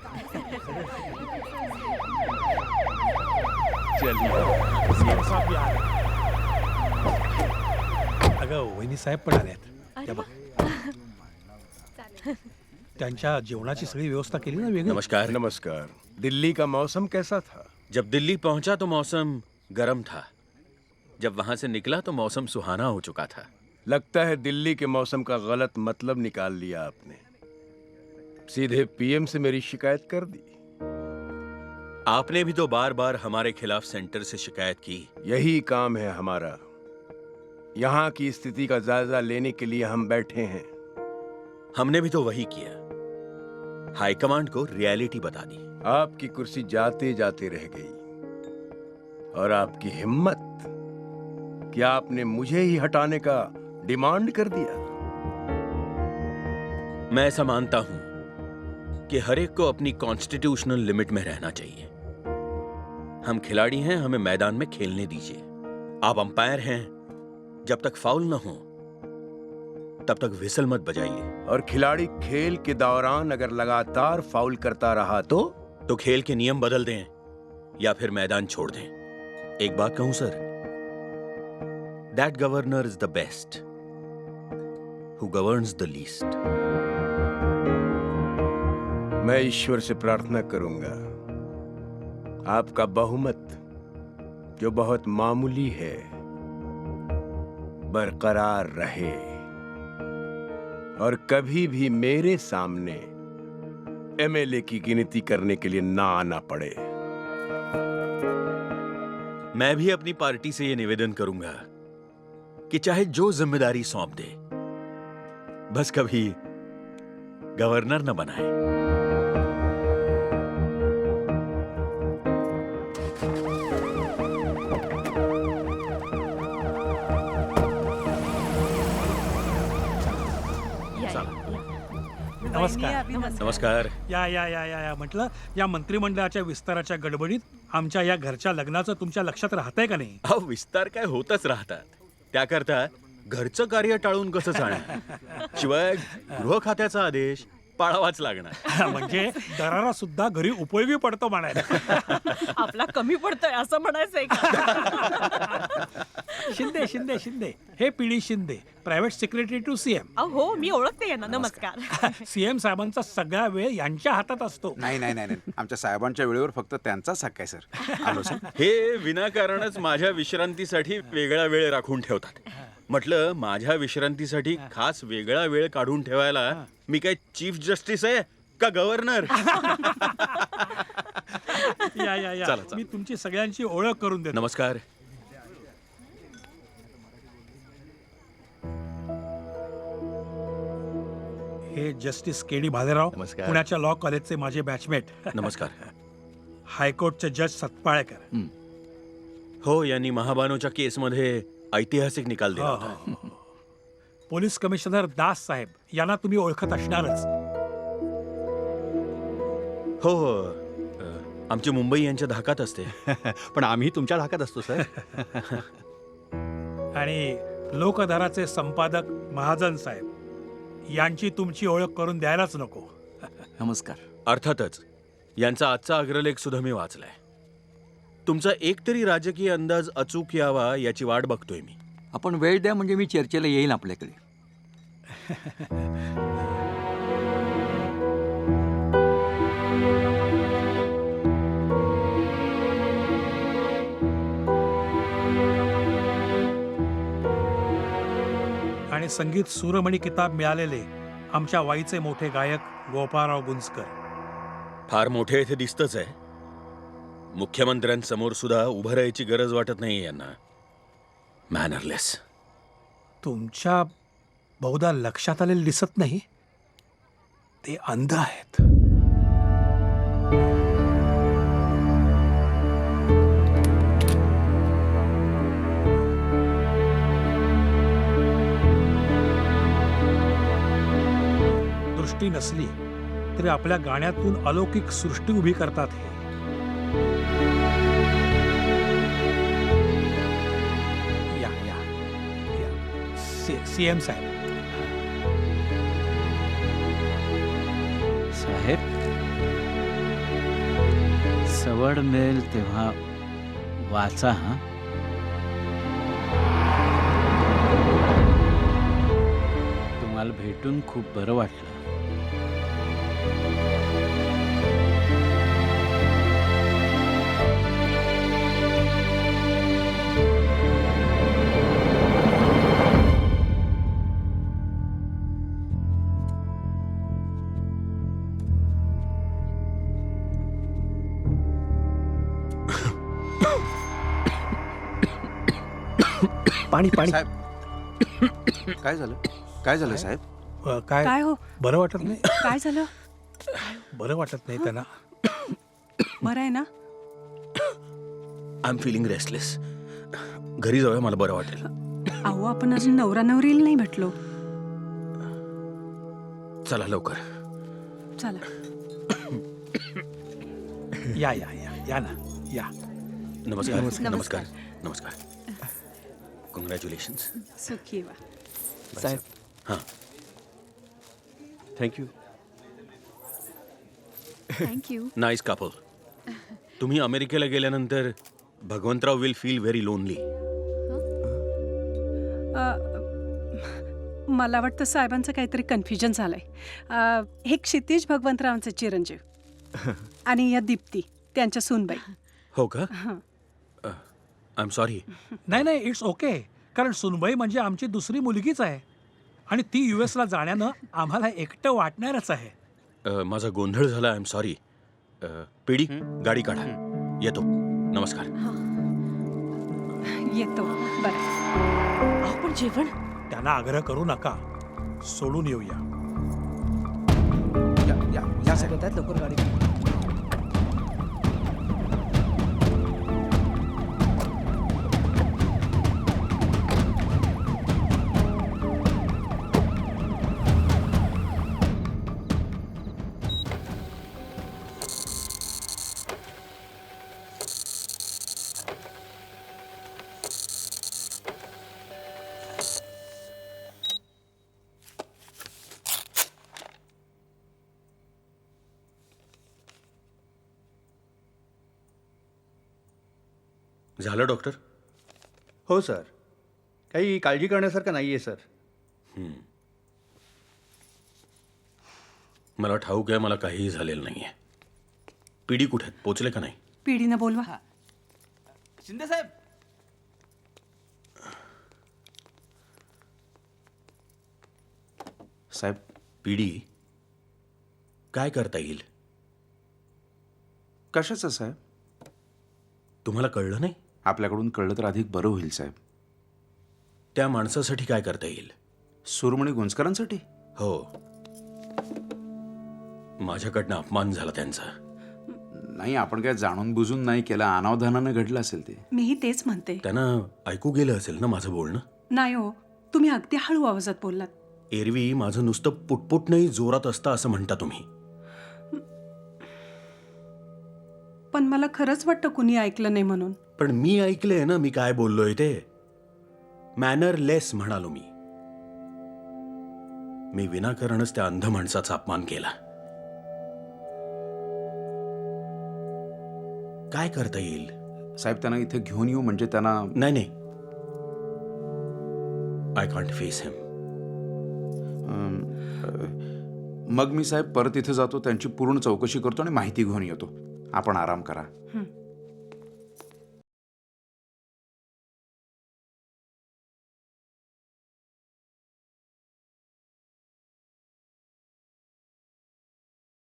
अगं वहिनी साहेब पण आल्यात. त्या बघ. त्यांच्या जेवणाची सगळी व्यवस्था केली ना वेगळी. नमस्कार। नमस्कार। दिल्ली का मौसम कैसा था? जब दिल्ली पहुंचा तो मौसम गर्म था, जब वहां से निकला तो मौसम सुहाना हो चुका था। लगता है दिल्ली के मौसम का गलत मतलब निकाल लिया आपने। सीधे पीएम से मेरी शिकायत कर दी। आपने भी तो बार बार हमारे खिलाफ सेंटर से शिकायत की। यही काम है हमारा। यहाँ की स्थिति का जायजा लेने के लिए हम बैठे हैं। हमने भी तो वही किया, हाईकमांड को रियलिटी बता दी। आपकी कुर्सी जाते जाते रह गई, और आपकी हिम्मत कि आपने मुझे ही हटाने का डिमांड कर दिया। मैं ऐसा मानता हूं कि हर एक को अपनी कॉन्स्टिट्यूशनल लिमिट में रहना चाहिए। हम खिलाड़ी हैं, हमें मैदान में खेलने दीजिए। आप अंपायर हैं, जब तक फाउल न हो तब तक विसल मत बजाइए। और खिलाड़ी खेल के दौरान अगर लगातार फाउल करता रहा तो खेल के नियम बदल दें या फिर मैदान छोड़ दें। एक बात कहूं sir, that governor is the best who governs the least. मैं ईश्वर से प्रार्थना करूंगा आपका बहुमत, जो बहुत मामूली है, बरकरार रहे और कभी भी मेरे सामने एमएलए की गिनती करने के लिए ना आना पड़े। मैं भी अपनी पार्टी से यह निवेदन करूंगा कि चाहे जो जिम्मेदारी सौंप दे, बस कभी गवर्नर न बनाए। नमस्कार. नमस्कार। या या या या या म्हटलं, या मंत्रिमंडळाच्या विस्ताराच्या गडबडीत आमच्या या घरच्या लग्नाचं तुमच्या लक्षात राहतंय का नाही? अहो, विस्तार काय होतच राहतात, त्याकरता घरचं कार्य टाळून कसं चालणार? शिवाय गृह खात्याचा आदेश पाळावाच लागणार. म्हणजे दरारा सुद्धा घरी उपयोगी पडतो म्हणायला. आपला कमी पडतोय असं म्हणायचंय का? शिंदे शिंदे शिंदे, हे PD Shinde, private secretary to CM. हो, मी ओळखते यांना. नमस्कार. सीएम साहेबांचा सगळा वेळ यांच्या हातात असतो. नाही नाही नाही नाही. आमच्या साहेबांच्या वेळेवर फक्त त्यांचाच हक्क आहे सर. आलो सर. हे विनाकारणच माझ्या विश्रांतीसाठी वेगळा वेळ राखून ठेवतात. म्हटलं, माझ्या विश्रांतीसाठी खास वेगळा वेळ काढून ठेवायला मी काय चीफ जस्टिस आहे का गव्हर्नर? या या या, चला, चला. मी तुमची सगळ्यांची ओळख करून देतो. नमस्कार. हे जस्टिस के डी भालेराव, नमस्कार. पुण्याच्या लॉ कॉलेजचे माझे बॅचमेट. नमस्कार. हायकोर्टचे जज सतपाळेकर. हो, यांनी महाबानोच्या केसमध्ये ऐतिहासिक निकाल दिला होता. पोलीस कमिशनर दास साहेब, यांना तुम्ही ओळखत असणारच. हो हो, आमची मुंबई यांच्या धाकात असते. पण आम्ही तुमच्या धाकात असतो सर. आणि लोकधाराचे संपादक महाजन साहेब, यांची तुमची ओळख करून द्यायलाच नको. नमस्कार. अर्थातच यांचा आजचा अग्रलेख सुद्धा मी वाचलाय. तुमचा एकतरी राजकीय अंदाज अचूक यावा याची वाट बघतोय मी. आपण वेळ द्या म्हणजे मी चर्चेला येईन आपल्याकडे. आणि संगीत सूरमणी किताब मिळालेले आमच्या वाईचे मोठे गायक गोपाळराव गुंजकर. फार मोठे इथे दिसतच आहे. मुख्यमंत्र्यांसमोर सुद्धा उभं राहायची गरज वाटत नाही यांना. मॅनरलेस. तुमच्या बहुधा लक्षात आलेले दिसत नाही, ते अंध आहेत. दृष्टी नसली तरी आपल्या गाण्यातून अलौकिक सृष्टी उभी करतात हे. या या या, सीएम साहेब. साहेब सवड मिळेल तेव्हा वाचा हा. तुम्हाला भेटून खूप बरं वाटलं. पाणी पाणी साहेब काय झालं? काय झालं साहेब? काय काय हो बरं वाटत नाही? काय झालं? बरं वाटत नाही त्यांना. बरं आहे ना? I am feeling restless. घरी जाऊया, मला बरं वाटेल. अहो आपण अजून नवरा नवरीला नाही भेटलो. चला लवकर. चला. या या या या ना या. नमस्कार. नमस्कार. नमस्कार. कॉंग्रॅच्युलेशन्स. सुखी वा. साहेब हां. थँक्यू. थँक्यू. Nice couple. तुम्ही अमेरिकेला गेल्यानंतर भगवंतराव विल फील व्हेरी लोनली. मला वाटतं साहेबांचं काहीतरी कन्फ्युजन झालंय. हे क्षितिज भगवंतरावांचे चिरंजीव आणि या दीप्ती त्यांच्या सूनबाई. हो का? I am sorry. नाही नाही, इट्स ओके. कारण सुनबाई म्हणजे आमची दुसरी मुलगीच आहे आणि ती US ला जाण्यानं आम्हाला एकटं वाटणारच आहे. माझा गोंधळ झाला. I am sorry. पिढी गाडी काढा. येतो. नमस्कार. येतो. बरं. अहो पण जेवण त्यांना आग्रह करू नका, सोडून येऊया. या साहेब. लवकर गाडी. झालं डॉक्टर? हो सर, काही काळजी करण्यासारखं नाही आहे सर. मला ठाऊक आहे, मला काहीही झालेलं नाहीये. पिढी कुठे आहेत? पोचले का नाही? पिढीनं बोलवा. शिंदे साहेब. साहेब, पिढी काय करता येईल? कशाचं साहेब? तुम्हाला कळलं नाही? आपल्याकडून कळलं तर अधिक बरं होईल साहेब. त्या माणसासाठी काय करता येईल? सुरमणी गुंजकरांसाठी? हो, माझ्याकडनं अपमान झाला त्यांचा. नाही, आपण काय जाणून बुजून नाही केला, अनावधानानं घडलं असेल ते. मीही तेच म्हणते. त्यांना ऐकू गेलं असेल ना माझं बोलणं? नाही हो, तुम्ही अगदी हळू आवाजात बोललात. एरवी माझं नुसतं पुटपुटणंही जोरात असतं असं म्हणता तुम्ही. पण मला खरंच वाटतं कुणी ऐकलं नाही म्हणून. पण मी ऐकलंय ना मी काय बोललोय ते. मॅनरलेस म्हणालो मी. मी विनाकारणच त्या अंध माणसाचा अपमान केला. काय करता येईल? साहेब, त्यांना इथे घेऊन येऊ म्हणजे त्यांना. नाही नाही, आय कांट फेस हिम. मग मी साहेब परत इथे जातो, त्यांची पूर्ण चौकशी करतो आणि माहिती घेऊन येतो. आपण आराम करा.